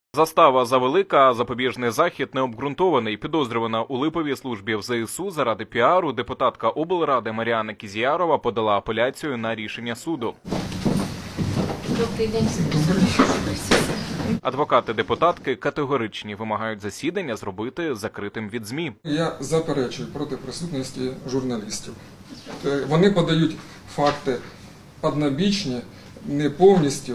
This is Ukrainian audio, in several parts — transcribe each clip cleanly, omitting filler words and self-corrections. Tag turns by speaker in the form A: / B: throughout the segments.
A: Застава завелика, а запобіжний захід необґрунтований. Підозрювана у липовій службі в ЗСУ заради піару депутатка облради Мар'яна Кізіярова подала апеляцію на рішення суду.
B: Добрий день.
A: Адвокати депутатки категоричні, вимагають засідання зробити закритим від ЗМІ.
C: Я заперечую проти присутності журналістів. Вони подають факти однобічні, не повністю,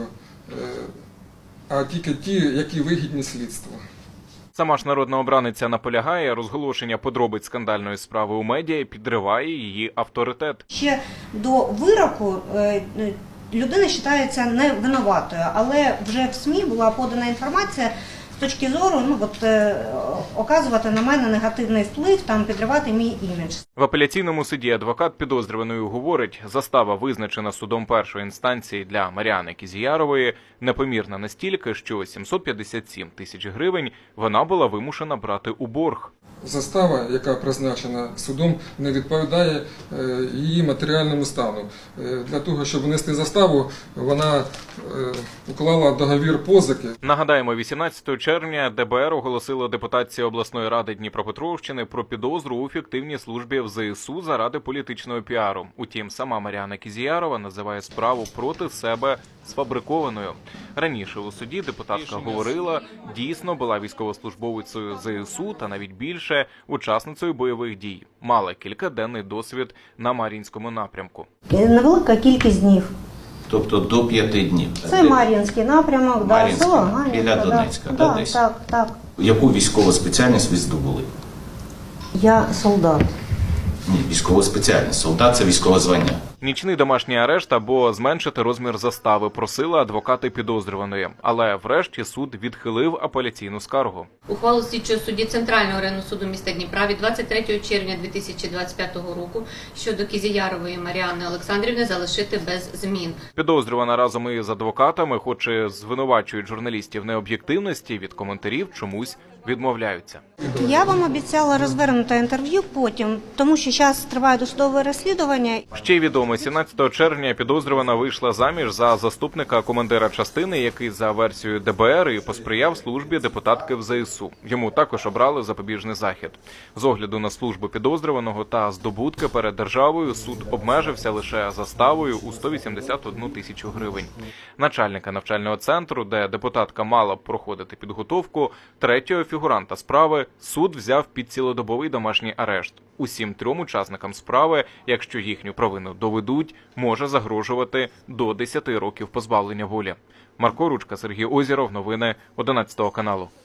C: а тільки ті, які вигідні слідству.
A: Сама ж народна обраниця наполягає, розголошення подробиць скандальної справи у медіа підриває її авторитет.
D: Ще до вироку людина вважається невинуватою, але вже в СМІ була подана інформація з точки зору оказувати на мене негативний вплив, підривати мій імідж.
A: В апеляційному суді адвокат підозрюваної говорить, застава, визначена судом першої інстанції для Мар'яни Кізіярової, непомірна настільки, що 757 тисяч гривень вона була вимушена брати у борг.
C: Застава, яка призначена судом, не відповідає її матеріальному стану. Для того, щоб внести заставу, вона уклала договір позики.
A: Нагадаємо, 18 червня ДБР оголосило депутатці обласної ради Дніпропетровщини про підозру у фіктивній службі в ЗСУ заради політичного піару. Утім, сама Мар'яна Кізіярова називає справу проти себе сфабрикованою. Раніше у суді депутатка говорила, дійсно була військовослужбовицею ЗСУ та навіть більше учасницею бойових дій. Мала кількаденний досвід на Мар'їнському напрямку.
D: Невелика кількість днів.
E: Тобто до 5 днів?
D: Це Мар'їнський напрямок, село Мар'їнське.
E: Біля Донецька, десь?
D: Так.
E: Яку військову спеціальність ви здобули?
D: Я солдат.
E: Ні, військова спеціальність. Солдат – це військове звання.
A: Нічний домашній арешт або зменшити розмір застави просили адвокати підозрюваної. Але врешті суд відхилив апеляційну скаргу.
B: Ухвалу слідчого судді Центрального районного суду міста Дніпра від 23 червня 2025 року щодо Кізіярової Мар'яни Олександрівни залишити без змін.
A: Підозрювана разом із адвокатами, хоч і звинувачують журналістів в необ'єктивності, від коментарів чомусь відмовляються.
D: Я вам обіцяла розвернути інтерв'ю потім, тому що зараз триває досудове розслідування.
A: Ще й відомо, 17 червня підозрювана вийшла заміж за заступника командира частини, який за версією ДБР і посприяв службі депутатки в ЗСУ. Йому також обрали запобіжний захід. З огляду на службу підозрюваного та здобутки перед державою суд обмежився лише заставою у 181 тисячу гривень. Начальника навчального центру, де депутатка мала б проходити підготовку, третього фігуранта справи суд взяв під цілодобовий домашній арешт. Усім 3 учасникам справи, якщо їхню провину доведуть, може загрожувати до 10 років позбавлення волі. Марко Ручка, Сергій Озєров, новини 11 каналу.